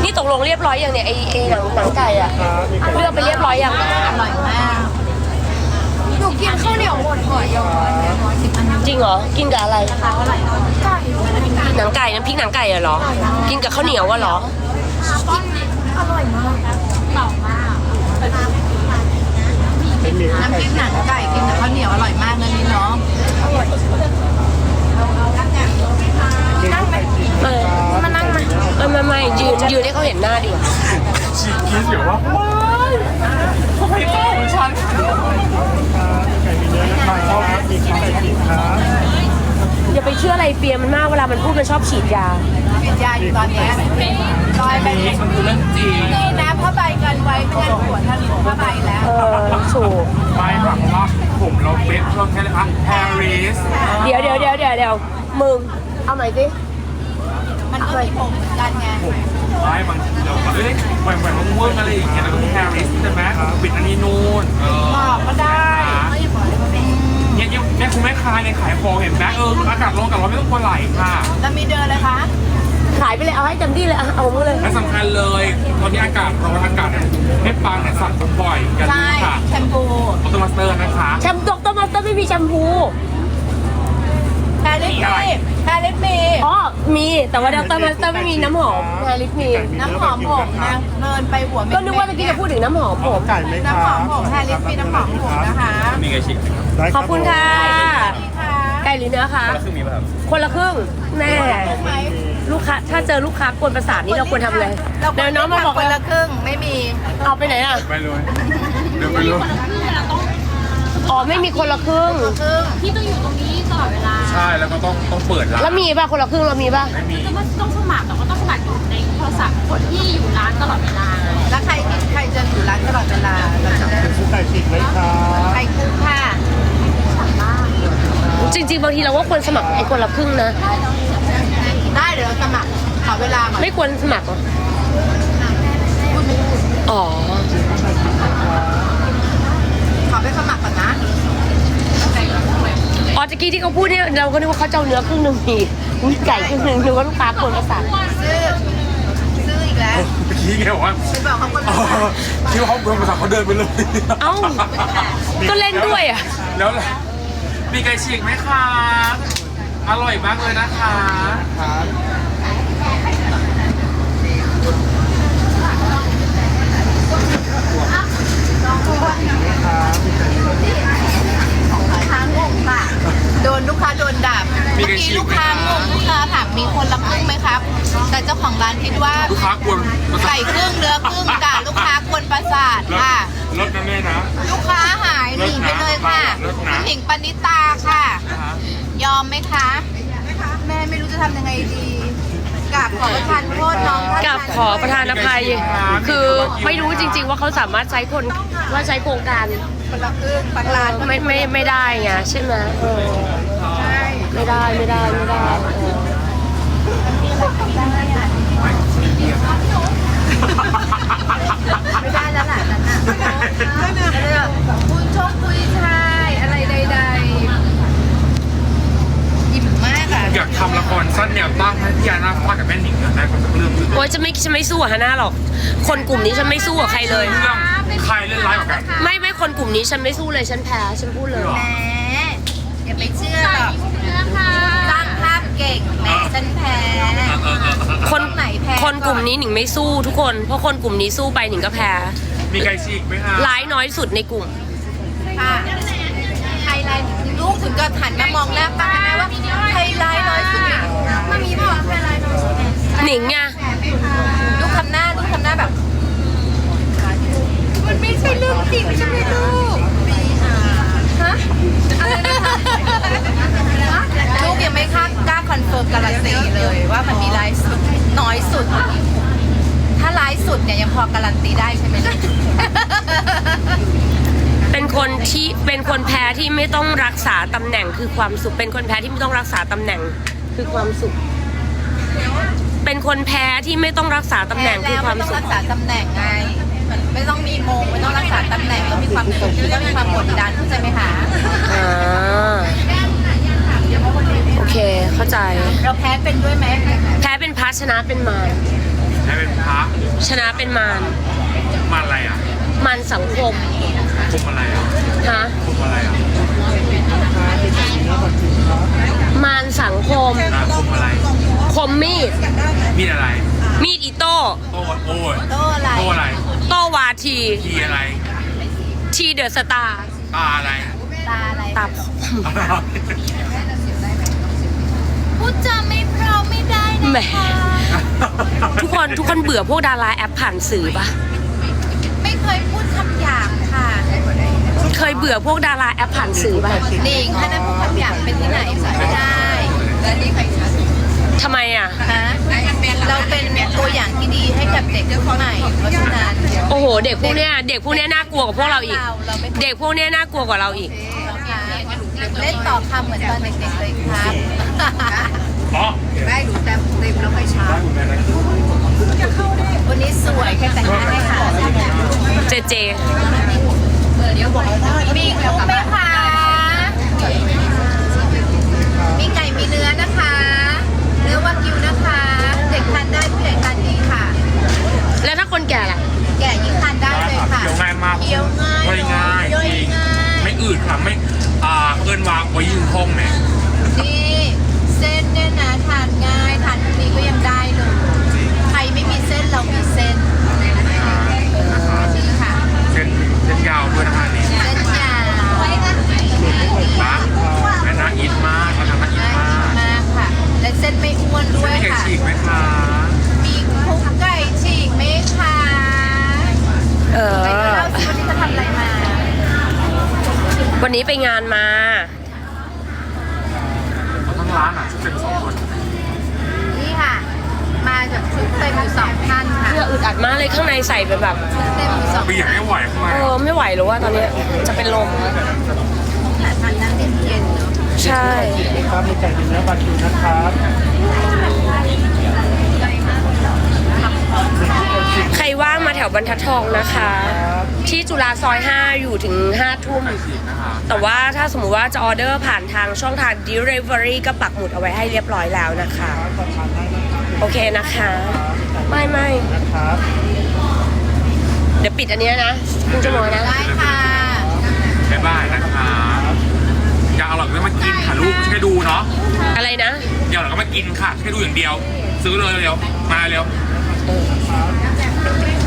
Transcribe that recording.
นี่ตกลงเรียบร้อยยังเนี่ยไอ้หนังไก่อะเลือกไปเรียบร้อยยังอร่อยมากหนูกินข้าวเหนียวหมดห่อยอดจริงเหรอกินกับอะไรหนังไก่น้ำพริกหนังไก่เหรอกินกับข้าวเหนียวเหรออร่อยมากเปล่ามากน้ำพริกหนังไก่กินกับข้าวเหนียวอร่อยมากนะนี่เนาะนั่งไหมมานั่งไหมไม่ยืนให้เขาเห็นหน้าดิฉีกคิดอยู่ว่าทำไมเจ้าของฉันไก่มีเนื้อนะครับมีไก่กินครับอย่าไปเชื่ออะไรเปียมันมากเวลามันพูดมันชอบฉีดยาปิดยาอยู่ตอนนี้ลอยไปนี่มันคือเรื่องจริงนะผ้าใบกันไว้ไม่งั้นหัวทะลุผ้าใบแล้วถูกไม่ค่ะเพราะว่าผมเราเป็นช่วงแค่เลยค่ะปารีสเดี๋ยวมึงเอาใหม่สิมันก็มีผมเหมือนกันไงไม่บางทีเราแบบแหวนเวิร์กอะไรอย่างเงี้ยแล้วก็ปารีสใช่ไหมปิดอันนี้นู่นบอกก็ได้เนี่ยคุณแม่ค้าเนี่ยขายของเห็นไหมอากาศร้อนกับร้อนไม่ต้องกลัวไหลค่ะแล้วมีเดินเลยคะขายไปเลยเอาให้เต็มที่เลยเอามือเลยและสำคัญเลยตอนนี้อากาศร้อนอากาศให้ปังเนี่ยสั่งผมบ่อยกันใช่ค่ะแชมพูออโตมาสเตอร์นะคะแชมป์ดรมาสเตอร์ไม่มีแชมพูแพรลิปมีอ๋อมีแต่ว่าดรมาสเตอร์ไม่มีน้ำหอมแฮร์ริสมีน้ำหอมผมนะเดินไปหัวเม็ดก็นึกว่าเมื่อกี้จะพูดถึงน้ำหอมผมไก่ไหมคะน้ำหอมผมแพรลิปมีน้ำหอมผมนะคะมีไก่ฉีกขอบคุณค่ะนี่ค่ะไก่หรือเนื้อคะแล้วคือมีป่ะครับคนละครึ่งแน่ไหมลูกค้าถ้าเจอลูกค้ากวนประสาทนี่เราควรทำไงเราเดี๋ยวน้องมาบอกคนละครึ่งไม่มีเอาไปไหนอ่ะไปเลยเดี๋ยวไปเลยอ๋อไม่มีคนละครึ่งครึ่งที่ต้องอยู่ตรงนี้ตลอดเวลาใช่แล้วก็ต้องเปิดร้านแล้วมีป่ะคนละครึ่งเรามีป่ะไม่มีก็ต้องสมัครแต่ว่าต้องสมัครอยู่ในโทรศัพท์คนที่อยู่ร้านตลอดเวลาแล้วใครจะอยู่ร้านตลอดเวลาเราจะได้ไก่ฉีกไหมคะใครคุ้มค่ะจริงๆบางทีเราว่าควรสมัครไอ้คนละครึ่งนะได้เดี๋ยวเราสมัครขอเวลาก่อนไม่ควรสมัครเหรออ๋อขอไปสมัครก่อนนะอ๋อตะกี้ที่เขาพูดเนี่ยเราก็นึกว่าเขาจะเอาเนื้อครึ่งหนึ่งมีไก่ครึ่งหนึ่งนึกว่าลูกค้ากวนประสาทซื้ออีกแล้วเมื่อกี้แกบอกว่าไปบอกเขาคนละที่เขาเดินมาสั่งเขาเดินไปเลยเอ้าก็เล่นด้วยอ่ะแล้วมีไก่ฉีกไหมคะ อร่อยมากเลยนะคะครับค้างงค่ะ โดนลูกค้าโดนด่าเมื่อกี้ลูกค้างงลูกค้าถามมีคนละครึ่งไหมครับ แต่เจ้าของร้านคิดว่าลูกค้ากวนไก่ครึ่งเนื้อครึ่งกะลูกค้ากวนประสาทค่ะรถนะแม่นะลูกค้าหายหนีไปเลยค่ะคุณหญิงปณิตาค่ะ ยอมไหมคะ แม่ไม่รู้จะทำยังไงดีกราบขอประทานโทษน้องท่านกับขอประธานอภัย คือไม่รู้จริง ๆ ว่าเขาสามารถใช้คนว่าใช้โครงการคนละครึ่งบางร้านไม่ได้ไงใช่ไหมใช่ไม่ได้เออไม่ได้แล้วล่ะนั่นน่ะคุยชกคุยชายอะไรใดๆอิ่มมากอ่ะอยากทำละครสั้นแนวตั้งให้พี่ยานาฟาดกับแม่หนิงได้คนสักเรื่องหนึ่งโอ้ยฉันไม่สู้กับฮาน่าหรอก คนกลุ่มนี้ฉันไม่สู้กับใครเลยเรื่องใครเล่นร้ายกว่ากันไม่คนกลุ่มนี้ฉันไม่สู้เลยฉันแพ้ฉันพูดเลยแหมอย่าไปเชื่อหรอกสร้างภาพเก่งแหมฉันแพ้คนไหนแพ้คนกลุ่มนี้หนิงไม่สู้ทุกคนเพราะคนกลุ่มนี้สู้ไปหนิงก็แพ้มีไก่ฉีกไหมคะร้ายน้อยสุดในกลุ่มค่ะไฮไลท์ลูกถึงก็หันมามองหน้าป้าแม่ว่าไฮไลท์น้อยสุดมันมีป่ะไฮไลท์น้อยสุดหนิงไงลูกทำหน้าแบบ มันไม่ใช่เรื่องจริงใช่ไหมลูกฮะอะไรนะคะลูกยังไม่กล้าคอนเฟิร์มการันตีเลยว่ามันมีไลฟ์สุดน้อยสุด ถ้าไลฟ์สุดเนี่ยยังพอการันตีได้ใช่ไหมลูกเป็นคนแพ้ที่ไม่ต้องรักษาตำแหน่งคือความสุขเป็นคนแพ้ที่ไม่ต้องรักษาตำแหน่งคือความสุข เป็นคนแพ้ที่ไม่ต้องรักษาตำแหน่งคือความไม่ต้องสุรัขกษาตำแหน่งไงไม่ต้องมีโมงไม่ต้องรักษาตำแหน่งก็มีความสุขไม่ต้องมีความกดดันเข้าใจไหมคะอ่าโอเคเข้าใจเราแพ้เป็นด้วยไหมแพ้เป็นพระชนะเป็นมารให้เป็นพระชนะเป็นมารมาอะไรอ่ะมารสังคมคุมอะไรอ่ะฮะคุมอะไรอ่ะมารสังคมคุมอะไรคมมีดมีอะไรมีดอิโต้โต้โอ้ยโตอะไรโต้อะไรโต้วาทีทีอะไรทีเดอะสตาร์ตาอะไรตาอะไรตาผมพูดจาไม่เพราะไม่ได้นะแหมคะทุกคนเบื่อพวกดาราแอปผ่านสื่อปะไม่เคยพูดคำหยาบค่ะเคยเบื่อพวกดาราแอปผ่านสื่อปะหนิงถ้านั้นพูดคำหยาบเป็นที่ไหนไม่ได้และนี่ใครคะทำไมอ่ะฮะเราเป็นตัวอย่างที่ดีให้กับเด็กรุ่นใหม่ เพราะฉะนั้นโอ้โห เด็กพวกเนี้ยน่ากลัวกว่าพวกเราอีกเราไม่เด็กพวกเนี้ยน่ากลัวกว่าเราอีกเล่นต่อคำเหมือนตอนเด็กๆเลยครับอ๋อได้ดูแต้มเต็มแล้วไม่ช้าวันนี้สวยแค่แต่งหน้าให้ค่ะเจเจมีกุ้งไหมคะมีไก่มีเนื้อนะคะ เนื้อวากิวนะคะ เด็กทานได้ผู้ใหญ่ทานดีค่ะแล้วถ้าคนแก่ล่ะแก่ยิ่งทานได้เลยค่ะเคี้ยวง่ายมากเคี้ยวง่ายย่อยง่ายย่อยง่ายไม่อืดค่ะไม่เอินวางไว้ยืนห้องเนี่ยนี่เส้นเนี่ยนะทานง่ายทานทุกนี้ก็ยังได้เลยใครไม่มีเส้นเรามีเส้นนี่ค่ะเส้นยาวด้วยนะคะนี่เส้นยาวนะและน่าอินมากเราทำน่าอินน่ามากมากค่ะ และเส้นไม่อ้วนด้วยมีไก่ค่ะฉีกไหมคะมีคุกไก่ฉีกไหมคะเอไปดูอเล่าสิวันนี้จะทำอะไรมาวันนี้ไปงานมาทั้งร้านอ่ะชุดเต็ม2 คนนี่ค่ะ มาจากชุดเต็มอยู่2ท่านค่ะเพื่ออึดอัดมากเลยข้างในใส่เป็นแบบเต็มอยู่2 เปียกไม่ไหวเข้ามาไม่ไหวหรือว่าตอนเนี้ยจะเป็นลมแต่ทานนั่งเย็นๆเนาะใช่ครับมีไก่เนื้อบาคิวนะครับใครว่างมาแถวบรรทัดทองนะคะ ที่จุฬาซอย 5 อยู่ถึง 5 ทุ่มฉีกนะคะแต่ว่าถ้าสมมุติว่าจะออเดอร์ผ่านทางช่องทาง Delivery ก็ปักหมุดเอาไว้ให้เรียบร้อยแล้วนะคะ โอเคนะคะ ไม่ครับเดี๋ยวปิดอันเนี้ยนะคุณจะมองนะได้ค่ะบ๊ายบายนะคะอยากอร่อยก็มากินค่ะลูกช่วยดูเนาะอะไรนะอยากอร่อยก็มากินค่ะแค่ดูอย่างเดียว ซื้อเลยเร็วมาเร็วเออ